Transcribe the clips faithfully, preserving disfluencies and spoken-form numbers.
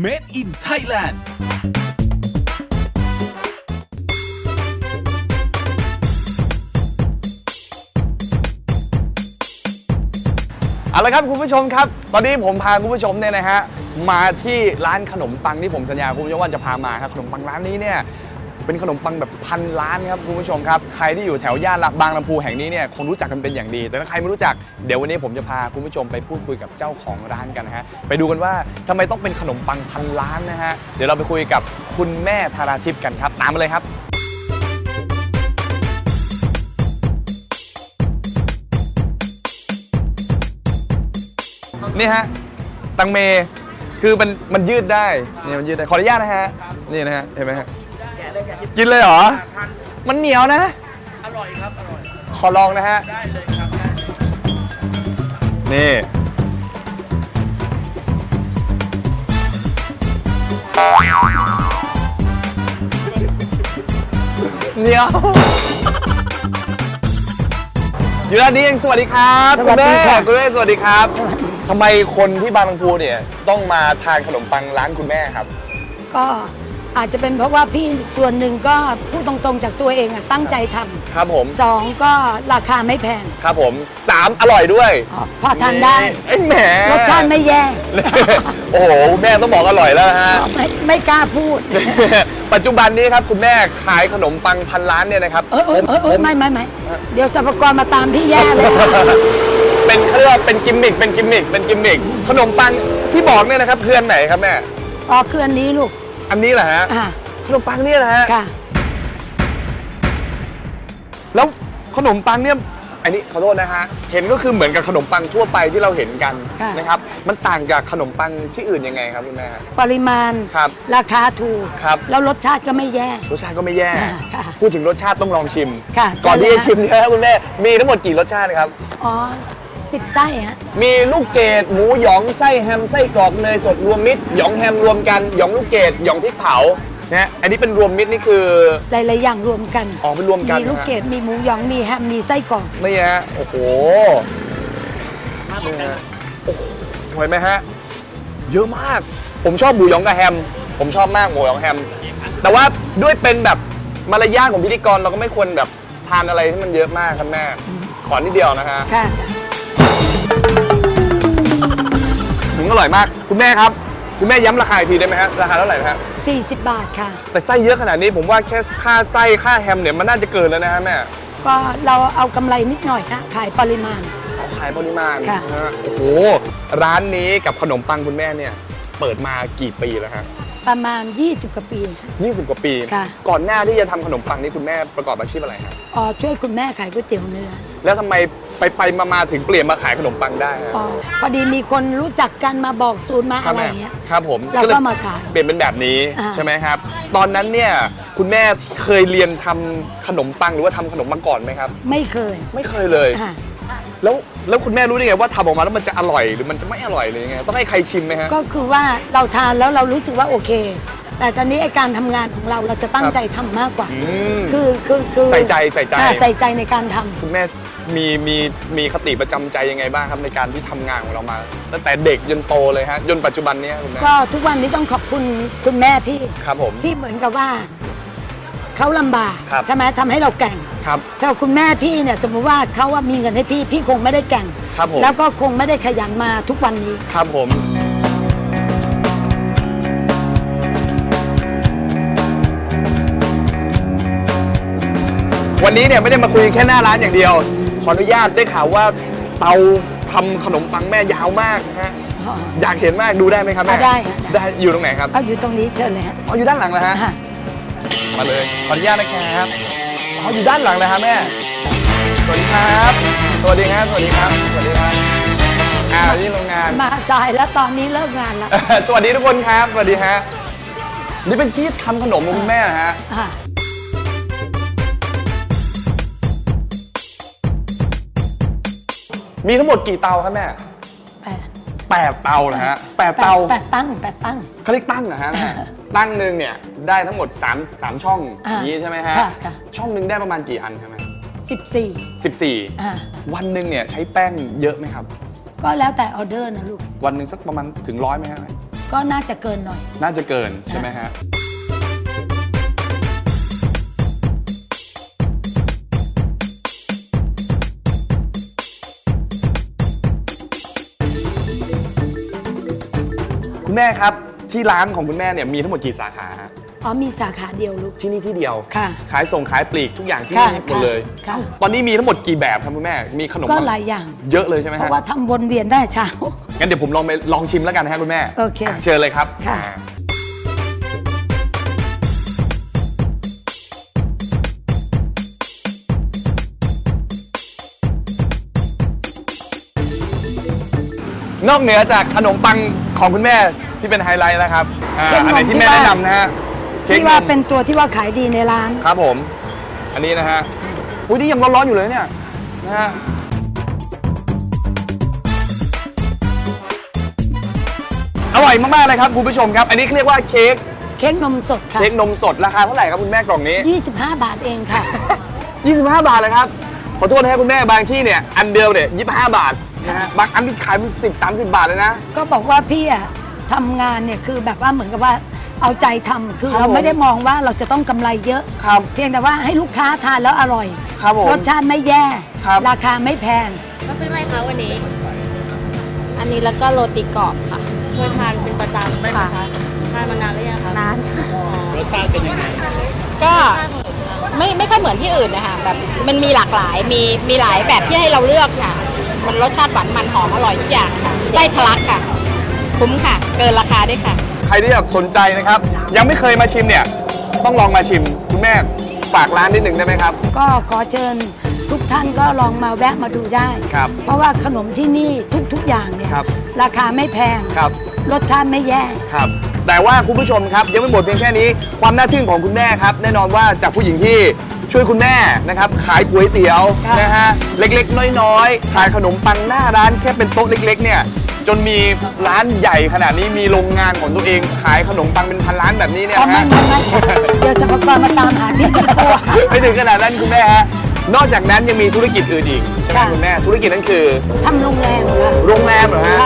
Made in Thailand เอาละครับคุณผู้ชมครับตอนนี้ผมพาคุณผู้ชมเนี่ยนะฮะมาที่ร้านขนมปังที่ผมสัญญาคุณผู้ชมว่าจะพามาครับขนมปังร้านนี้เนี่ยเป็นขนมปังแบบพันล้านครับคุณผู้ชมครับใครที่อยู่แถวย่านบางลำพูแห่งนี้เนี่ยคงรู้จักกันเป็นอย่างดีแต่ถ้าใครไม่รู้จักเดี๋ยววันนี้ผมจะพาคุณผู้ชมไปพูดคุยกับเจ้าของร้านกันนะฮะไปดูกันว่าทำไมต้องเป็นขนมปังพันล้านนะฮะเดี๋ยวเราไปคุยกับคุณแม่ธาราทิพย์กันครับตามมาเลยครับนี่ฮะตังเมคือมันมันยืดได้นี่มันยืดได้ขออนุญาตนะฮะนี่นะฮะเห็นไหมฮะกินเลยเหรอมันเหนียวนะอร่อยครับอร่อยขอลองนะฮะได้เลยครับนี่เหนียวอยู่ด้านนี้เองสวัสดีครับคุณแม่คุณแม่สวัสดีครับทำไมคนที่บางลำพูเนี่ยต้องมาทานขนมปังร้านคุณแม่ครับก็อาจจะเป็นเพราะว่าพี่ส่วนหนึ่งก็พูดตรงๆจากตัวเองอะตั้งใจทำครับผมสองก็ราคาไม่แพงครับผมสามอร่อยด้วยพอทานได้ไอ้แหมรสชาติไม่แย่โอ้โหแม่ต้องบอกอร่อยแล้วฮะไม่ไม่กล้าพูดปัจจุบันนี้ครับคุณแม่ขายขนมปังพันล้านเนี่ยนะครับเออเออเออไม่ไม่ไม่เดี๋ยวสรรพากรมาตามที่แย่เลยเป็นเครื่องเป็นกิมมิคเป็นกิมมิคเป็นกิมมิคขนมปังที่บอกเนี่ยนะครับเพื่อนไหนครับแม่อ๋อคืออันนี้ลูกอันนี้เหรอฮะขนมปังเนี่ยนะฮะค่ะแล้วขนมปังเนี่ยอันนี้ขอโทษนะฮะเห็นก็คือเหมือนกับขนมปังทั่วไปที่เราเห็นกันนะครับมันต่างจากขนมปังที่อื่นยังไงครับคุณแม่ปริมาณครับราคาถูกครับแล้วรสชาติก็ไม่แย่รสชาติก็ไม่แย่พูดถึงรสชาติต้องลองชิมค่ะก่อนที่จะชิมเนี่ยคุณแม่มีทั้งหมดกี่รสชาติครับอ๋อสิบไส้ฮะมีลูกเกดหมูหยองไส้แฮมไส้กรอกเนยสดรวมมิตรหยองแฮมรวมกันหยองลูกเกดหยองพริกเผานะอันนี้เป็นรวมมิตรนี่คือหลายๆอย่างรวมกันอ๋อเป็นรวมกันมีลูกเกดมีหมูหยองมีแฮมมีไส้กรอกนี่ฮะโอ้โหนี่ฮะเห็นไหมฮะเยอะมากผมชอบหมูหยองกับแฮมผมชอบมากหมูหยองแฮมแต่ว่าด้วยเป็นแบบมารยาทของพิธีกรเราก็ไม่ควรแบบทานอะไรที่มันเยอะมากครับแม่ขอนิดเดียวนะฮะค่ะถึงอร่อยมากคุณแม่ครับคุณแม่ย้ำราคาอีกทีได้ไหมฮะราคาเท่าไหร่ฮะสี่สิบบาทค่ะแต่ไส้เยอะขนาดนี้ผมว่าแค่ค่าไส้ค่าแฮมเนี่ยมันน่าจะเกินแล้วนะฮะแม่ก็เราเอากำไรนิดหน่อยค่ะขายปริมาณเอาขายปริมาณค่ะโอ้โหร้านนี้กับขนมปังคุณแม่เนี่ยเปิดมากี่ปีแล้วฮะประมาณยี่สิบกว่าปียี่สิบกว่าปีค่ะก่อนหน้าที่จะทำขนมปังนี่คุณแม่ประกอบอาชีพอะไรครับอ๋อช่วยคุณแม่ขายก๋วยเตี๋ยวเนื้อแล้วทำไมไปไปมามาถึงเปลี่ยนมาขายขนมปังได้อ๋อพอดีมีคนรู้จักกันมาบอกสูตรมาอะไรอย่างเงี้ยครับผมเราก็มาขายเปลี่ยนเป็นแบบนี้ใช่ไหมครับตอนนั้นเนี่ยคุณแม่เคยเรียนทำขนมปังหรือว่าทำขนมปังก่อนไหมครับไม่เคยไม่เคยเลยแล้วแล้วคุณแม่รู้ได้ไงว่าทำออกมาแล้วมันจะอร่อยหรือมันจะไม่อร่อยเลยยังไงต้องให้ใครชิมไหมฮะก็คือว่าเราทานแล้วเรารู้สึกว่าโอเคแต่ตอนนี้ไอการทำงานของเราเราจะตั้งใจทำมากกว่าคือคือคือใส่ใจใส่ใจใส่ใจในการทำคุณแม่มีมีมีคติประจำใจยังไงบ้างครับในการที่ทำงานของเรามาตั้งแต่เด็กจนโตเลยฮะจนปัจจุบันนี้คุณแม่ก็ทุกวันนี้ต้องขอบคุณคุณแม่พี่ครับผมที่เหมือนกับว่าเขาลำบากใช่ไหมทำให้เราแก่งครับถ้าคุณแม่พี่เนี่ยสมมุติว่าเขาว่ามีเงินให้พี่พี่คงไม่ได้แก่งครับผมแล้วก็คงไม่ได้ขยันมาทุกวันนี้ครับผมวันนี้เนี่ยไม่ได้มาคุยแค่หน้าร้านอย่างเดียวขออนุญาตได้ข่าวว่าเตาทำขนมปังแม่ยาวมากฮะอยากเห็นมากดูได้ไหมครับแม่ได้ได้อยู่ตรงไหนครับเอาอยู่ตรงนี้เชิญเลยฮะอ๋ออยู่ด้านหลังเลยฮะมาเลยขออนุญาตนะครับอ๋ออยู่ด้านหลังเลยครับแม่สวัสดีครับสวัสดีครับสวัสดีครับสวัสดีครับอ่าที่โรงงานมาสายแล้วตอนนี้เลิกงานแล้วสวัสดีทุกคนครับสวัสดีฮะนี่เป็นที่ทำขนมของคุณแม่นะฮะมีทั้งหมดกี่เตาครับแม่แปดแปดเตานะฮะแปดเตาแปดตั้งแปดตั้งเขาเรียกตั้งนะฮะตั้งหนึ่งเนี่ยได้ทั้งหมดสาม สามช่องอย่างนี้ใช่ไหมฮะช่องหนึ่งได้ประมาณกี่อันครับแม่สิบสี่สิบสี่วันหนึ่งเนี่ยใช้แป้งเยอะไหมครับก็แล้วแต่ออเดอร์นะลูกวันหนึ่งสักประมาณถึงร้อยไหมครับก็น่าจะเกินหน่อยน่าจะเกินใช่ไหมฮะคุณแม่ครับที่ร้านของคุณแม่เนี่ยมีทั้งหมดกี่สาขาฮะอ๋อมีสาขาเดียวลูกที่นี่ที่เดียวค่ะขายส่งขายปลีกทุกอย่างที่ค่ะนี่หมดเลยค่ะตอนนี้มีทั้งหมดกี่แบบครับคุณแม่มีขนมก็ปังหลายอย่างเยอะเลยใช่ไหมเพฮะราะว่าทำวนเวียนได้เช้างั้นเดี๋ยวผมลองไปลองชิมแล้วกันนะฮะคุณแม่โอเคอ่ะเชิญเลยครับค่ะอ่านอกเหนือจากขนมปังของคุณแม่ที่เป็นไฮไลท์แล้วครับอ่าเค้กนมอันไหนที่แม่ที่ว่าแนะนำนะฮะเค้กที่ว่าำนเป็นตัวที่ว่าขายดีในร้านครับผม อันนี้นะฮะอุ้ยนี่ยังร้อนๆอยู่เลยเนี่ยนะฮะอร่อยมากๆเลยครับคุณผู้ชมครับ อันนี้เรียกว่าเค้กเค้กนมสดค่ะเค้กนมสดราคาเท่าไหร่ครับคุณแม่กล่องนี้ยี่สิบห้าบาทเองค่ะยี่สิบห้า บาทเลยครับ ขอโทษนะครับคุณแม่บางที่เนี่ยอันเดียวเนี่ยยี่สิบห้าบาทนะฮะบางอันที่ขายเป็นสิบ สามสิบบาทเลยนะก็บอกว่าพี่อะทำงานเนี่ยคือแบบว่าเหมือนกับว่าเอาใจทำคือครับเราผมไม่ได้มองว่าเราจะต้องกำไรเยอะครับเพียงแต่ว่าให้ลูกค้าทานแล้วอร่อยครับผมรสชาติไม่แย่ครับราคาไม่แพงก็ซื้ออะไรคะวันนี้ อันนี้แล้วก็โรตีกรอบค่ะเคยทานเป็นประจำไหมคะทานมานานหรือยังคะนานค่ะรสชาติเป็นยังไงก็ไม่ไม่ค่อยเหมือนที่อื่นนะคะแบบมันมีหลากหลายมีมีหลายแบบที่ให้เราเลือกค่ะ มันรสชาติหวานมันหอมอร่อยทุกอย่างค่ะไส้ทะลักค่ะ คุ้มค่ะ เกินราคาด้วยค่ะใครที่อยากสนใจนะครับ ยังไม่เคยมาชิมเนี่ยต้องลองมาชิมคุณแม่ฝากร้านนิดหนึ่งได้ไหมครับก็ขอเชิญทุกท่านก็ลองมาแวะมาดูได้ครับเพราะว่าขนมที่นี่ทุกๆอย่างเนี่ยครับราคาไม่แพงครับรสชาติไม่แย่ครับแต่ว่าคุณผู้ชมครับยังไม่หมดเพียงแค่นี้ความน่าทึ่งของคุณแม่ครับแน่นอนว่าจากผู้หญิงที่ช่วยคุณแม่นะครับขายก๋วยเตี๋ยวครับนะฮะเล็กๆ น้อยๆขายขนมปังหน้าร้านแค่เป็นโต๊ะเล็กๆเนี่ยจนมีร้านใหญ่ขนาดนี้มีโรงงานของตัวเองขายขนมปังเป็นพันร้านแบบนี้เนี่ยอ๋อนะไม่ฮะไม่ไม่ค่ะเดี๋ยวสรรพากรมาตามหาที่ตัวไม่ถึงขนาดนั้นคุณแม่ฮะนอกจากนั้นยังมีธุรกิจอื่นอีกใช่ไหมค่ะคุณแม่ธุรกิจนั้นคือทำโรงแรมค่ะโรงแรมเหรอฮะค่ะ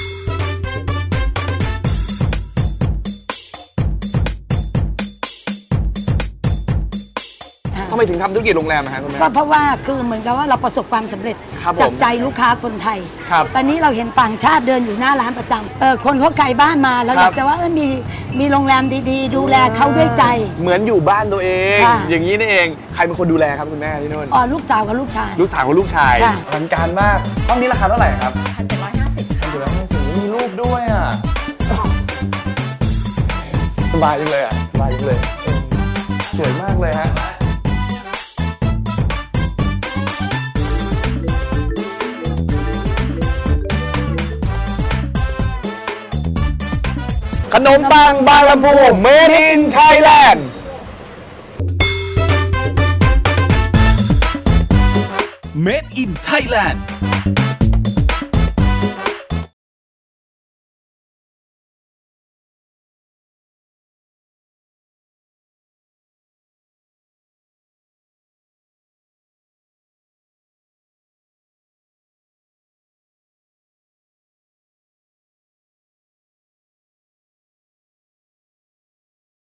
ทำไมถึงทำธุรกิจโรงแรมนะฮะคุณแม่ก็เพราะว่าคือเหมือนกับว่าเราประสบความสำเร็จครับผมจากใจลูกค้าคนไทยครับตอนนี้เราเห็นต่างชาติเดินอยู่หน้าร้านประจำเออคนเขาไกลบ้านมาเราคอรับยากจะว่าเออมีมีโรงแรมดีๆ ดูแลเขาด้วยใจเหมือนอยู่บ้านตัวเองค่ะอย่างนี้นี่เองใครเป็นคนดูแลครับคุณแม่ที่นู่นอ๋อลูกสาวกับลูกชายลูกสาวกับลูกชายค่ะอลังการมากห้องนี้ราคาเท่าไหร่ครับพันเจ็ดร้อยห้าสิบพันเจ็ดร้อยห้าสิบมีรูปด้วยอ่ะ สบายจังเลยอ่ะ สบายจังเลยเออสวยมากเลยฮะ ขนมปังบางลำพู Made in Thailand Made in Thailand